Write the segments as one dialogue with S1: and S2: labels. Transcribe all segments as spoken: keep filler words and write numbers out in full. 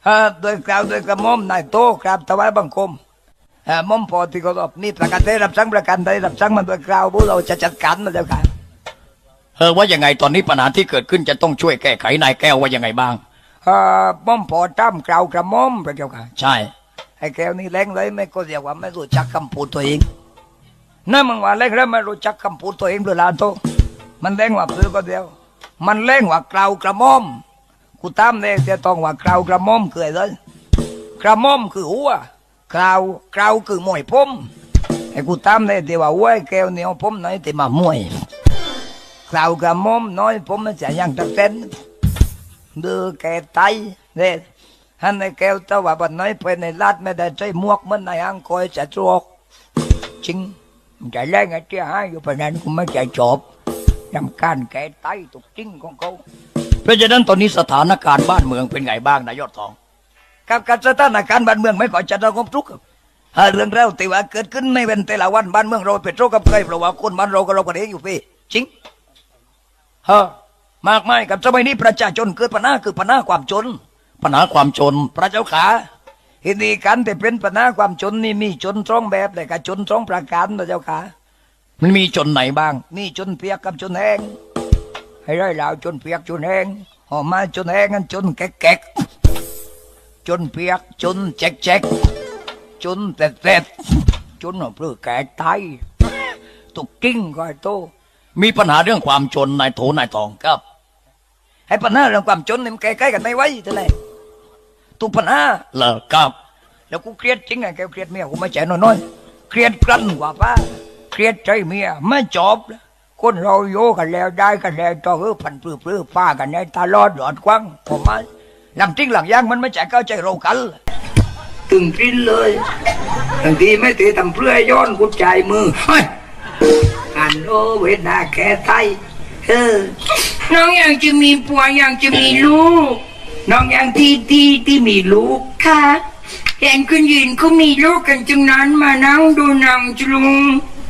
S1: โดยกล่าวโดยกระหม่อมนายโตกราบถวายบังคมหม่อมพอที่เคารพนี่ประกาศได้รับสั่งประกันได้รับสั่งมันโดยกล่าวพวกเราจะจัดการนะเจ้าค่ะ
S2: เออว่ายังไงตอนนี้ปัญหาที่เกิดขึ้นจะต้องช่วยแก้ไขนายแก้วว่ายังไงบ้าง
S1: เออหม่อมพอจ้ำกล่าวกระหม่อมพระเจ้าค่ะ
S2: ใช่
S1: ไอ้แก้วนี่แรงเลยไม่ก็เรียกว่าไม่รู้จักคำพูดตัวเองนั่นมึงว่าแรงแล้วไม่รู้จักคำพูดตัวเองหรือลาโตมันแรงว่าซื้อก็เดียวมันแรงว่ากล่าวกระหม่อมกูตามเนี่ยจะต้องว่ากล่าวกระหม่อมคืออะไรกระหม่อมคือหัวกล่าวกล่าวคือมวยผมไอ้กูตามเนี่ยที่ว่าหัวแก้วเนี่ยผมน้อยที่มามวยกล่าวกระหม่อมน้อยผมมันจะยังตัดเส้นเดือแก่ไตเนี่ยฮันในแก้วแต่ว่าบันน้อยไปในลาดไม่ได้ใช้หมวกมันในอ่างคอยจะจวกจริงใจแรงไอ้เจ้าให้อยู่ประนั้นกูไม่ใจจบยำการแก่ไตตุกจริงของเขา
S2: เพราะฉะนั้นตอนนี้สถานการณ์บ้านเมืองเป็นไงบ้างนายยอดทอง
S1: กับการสถานการณ์บ้านเมืองไม่ก่อจะระงมทุกข์เรื่องเราแต่ว่าเกิดขึ้นไม่เป็นแต่ละวันบ้านเมืองเราเป็นโรคกับใครเพราะว่าคนบ้านเราก็เราก็เองอยู่พี่จริงเฮ้อมากมายกับสมัยนี้ประชาชนเกิดปัญหาคือปัญหาความจน
S2: ปัญหาความจน
S1: พระเจ้าขาทีนี้การแต่เป็นปัญหาความจนนี่มีจนสองแบบเลยกับจนสองประการพระเจ้าขา
S2: มันมีจนไหนบ้าง
S1: มีจนเปียกกับจนแห้งให้ได้แล้วจนเปียกจนแห้งหอมมาจนแห้งกันจนแก๊กๆจนเปียกจนแจ๊กๆจนเต็ดๆจนเพื่อแก่ตายตุกกิ้งก็โต
S2: มีปัญหาเรื่องความจนนายโถนายทอง
S1: ครับให้ปัญหาเรื่องความจนนี่มันใกล้ๆกันไม่ไหวเท่าไหร่ตุกปัญหา
S2: เหรอครับ
S1: แล้วกูเครียดจริงไงแกเครียดเมียกูไม่ใจน้อยๆเครียดกลั้นกว่าป้าเครียดใจเมียไม่จบคนเราโยกันแล้วได้กันแล้วต่อเออพันปลื้อปลื้อป้ากันในตาลอดหลอดกว้างผมมาหลังจริงหลังย่างมันไม่ใจเข้าใจเรากันตึงปิ้นเลยบางทีไม่ตีทำเพื่อย้อนกูใจมืออันโอเวนาแค่ไตเออน้องยังจะมีผัวยังจะมีลูกน้องยังที่ที่ที่มีลูกค่ะเห็นคุณยืนเขามีลูกกันจึงนั้นมานั่งดูหนังจุลุง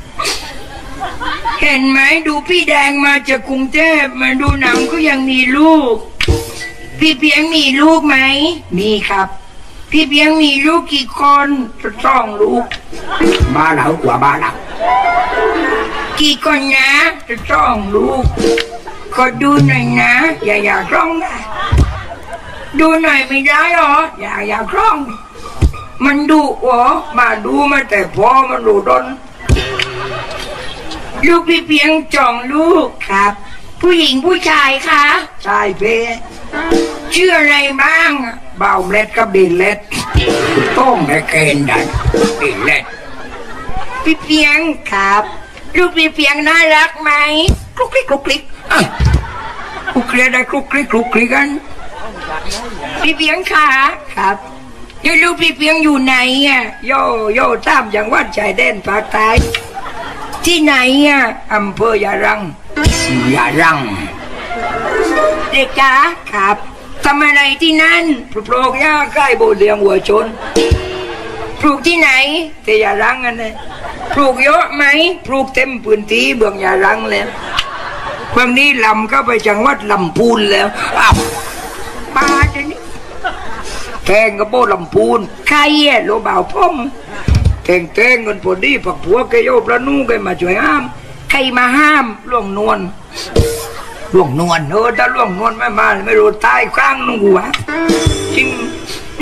S1: เห็นไหมดูพี่แดงมาจากกรุงเทพมาดูหนังก็ยังมีลูกพี่เพียงมีลูกไหมมีครับพี่เพียงมีลูกกี่คนสองลูกบ้าเหล่ากว่าบ้าเหล่ากี่คนนะสองลูกขอดูหน่อยนะอย่าอย่าร้องนะดูหน่อยไม่ได้หรออย่าอย่าร้องมันดุเหรอมาดูมาแต่พอมันดุดนลูกพี่เพียงจองลูกครับผู้หญิงผู้ชายคะชายเพชื่ออะไรบ้างบ่าวเล็ดกับดินเล็ดต้องให้เกณฑ์ได้ดินเล็ดพี่เพียงครับลูกพี่เพียงน่ารักไหมคลุกคลิกคลุกคลิกคลุกคลิกได้คลุกคลิกคลุกคลิกกันพี่เพียงค่ะครับแล้วลูกพี่เพียงอยู่ไหนอ่ะโยโย่ตามจังหวัดชายแดนภาคใต้ที่ไหนอ่ะอำเภอยารังยารังเด็กจ๋าครับทำอะไรที่นั่นปลูกหญ้าใกล้โบสถ์เลี้ยงวัวชนปลูกที่ไหนที่ยารังกันเลยปลูกเยอะไหมปลูกเต็มพื้นที่เบื้องยารังแล้วเบื้องนี้ลำก็ไปจังหวัดลำพูนแล้วอ้าวป้าจะนี่แทงกระโปงลำพูนใครเย่โลบ่าวพ่อมแทงแทงเงินพอดีผักผัวแกโยบละนู่แกมาช่วยห้ามใครมาห้ามล่วงนวลล่วงนวลเออถ้าล่วงนวลไม่มาไม่รู้ตายข้างนุ่งหัวจริง